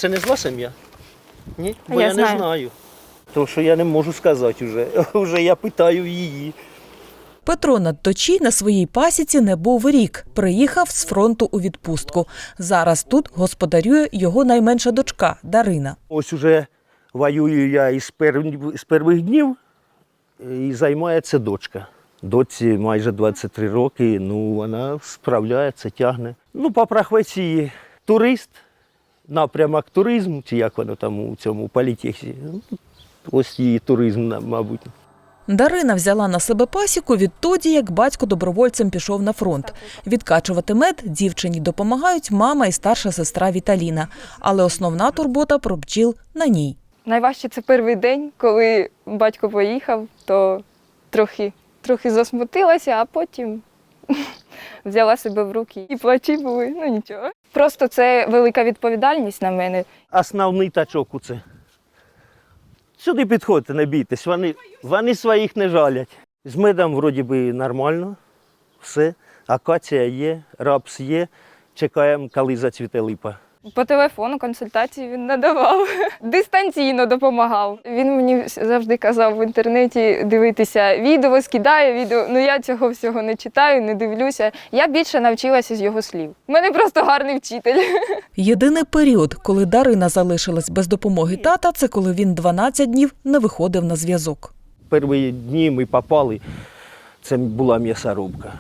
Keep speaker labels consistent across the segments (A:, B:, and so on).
A: це не зла сім'я? Ні?
B: А
A: Бо
B: я
A: я
B: знаю.
A: не знаю. Тому що я не можу сказати вже. Вже я питаю її.
C: Петро Надточій на своїй пасіці не був рік. Приїхав з фронту у відпустку. Зараз тут господарює його найменша дочка Дарина.
A: Ось уже воюю я із перших днів і займається дочка. Доці майже 23 роки, ну вона справляється, тягне. Ну, по професії турист, напрямок туризму, чи як воно там у цьому політехі. Ось її туризм, мабуть.
C: Дарина взяла на себе пасіку відтоді, як батько добровольцем пішов на фронт. Відкачувати мед дівчині допомагають мама і старша сестра Віталіна. Але основна турбота про бджіл на ній.
B: Найважче це перший день, коли батько поїхав, то трохи засмутилася, а потім взяла себе в руки. І плачі були, ну нічого. Просто це велика відповідальність на мене.
A: Основний тачок у це. Сюди підходьте, не бійтесь, вони своїх не жалять. З медом вроді би нормально, все. Акація є, рапс є, чекаємо, коли зацвіте липа.
B: По телефону консультації він надавав, дистанційно допомагав. Він мені завжди казав в інтернеті дивитися відео, скидає відео. Ну я цього всього не читаю, не дивлюся. Я більше навчилася з його слів. У мене просто гарний вчитель.
C: Єдиний період, коли Дарина залишилась без допомоги тата, це коли він 12 днів не виходив на зв'язок.
A: Перші дні ми попали, це була м'ясорубка.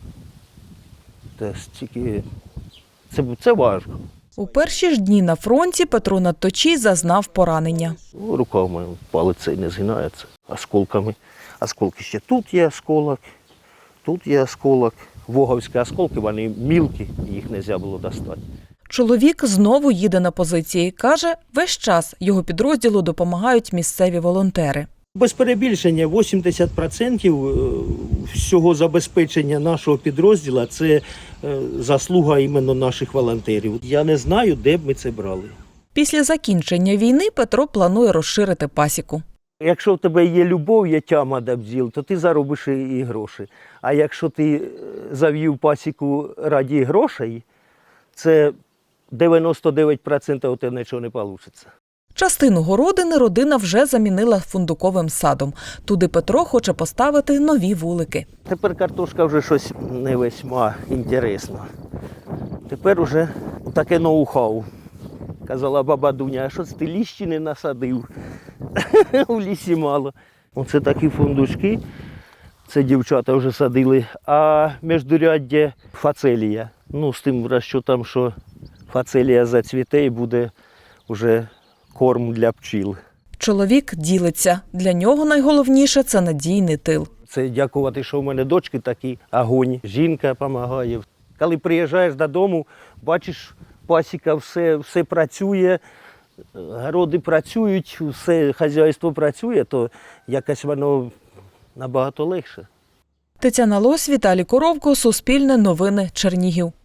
A: Це важко.
C: У перші ж дні на фронті Петро Надточій зазнав поранення.
A: Рука в мене палець цей не згинається осколками. Осколки ще тут є осколок, тут є осколок. Воговські осколки, вони мілкі, їх не можна було достати.
C: Чоловік знову їде на позиції. Каже, весь час його підрозділу допомагають місцеві волонтери.
A: Без перебільшення 80% всього забезпечення нашого підрозділу – це заслуга іменно наших волонтерів. Я не знаю, де б ми це брали.
C: Після закінчення війни Петро планує розширити пасіку.
A: Якщо в тебе є любов, є тяма до бджіл, то ти заробиш і гроші. А якщо ти завів пасіку раді грошей, це 99% у тебе нічого не вийде.
C: Частину городини родина вже замінила фундуковим садом. Туди Петро хоче поставити нові вулики.
A: Тепер картошка вже щось не весьма інтересно. Тепер вже таке ноу-хау. Казала баба Дуня, а що ти ліщі не насадив? У лісі мало. Оце такі фундучки, це дівчата вже садили. А міждуряддя фацелія. Ну, з тим розчотом, що фацелія зацвіте і буде вже корм для пчіл.
C: Чоловік ділиться. Для нього найголовніше – це надійний тил.
A: Це дякувати, що в мене дочки такі огонь. Жінка допомагає. Коли приїжджаєш додому, бачиш, пасіка, все працює, городи працюють, все хазяйство працює, то якось воно набагато легше.
C: Тетяна Лось, Віталій Коровко, Суспільне новини, Чернігів.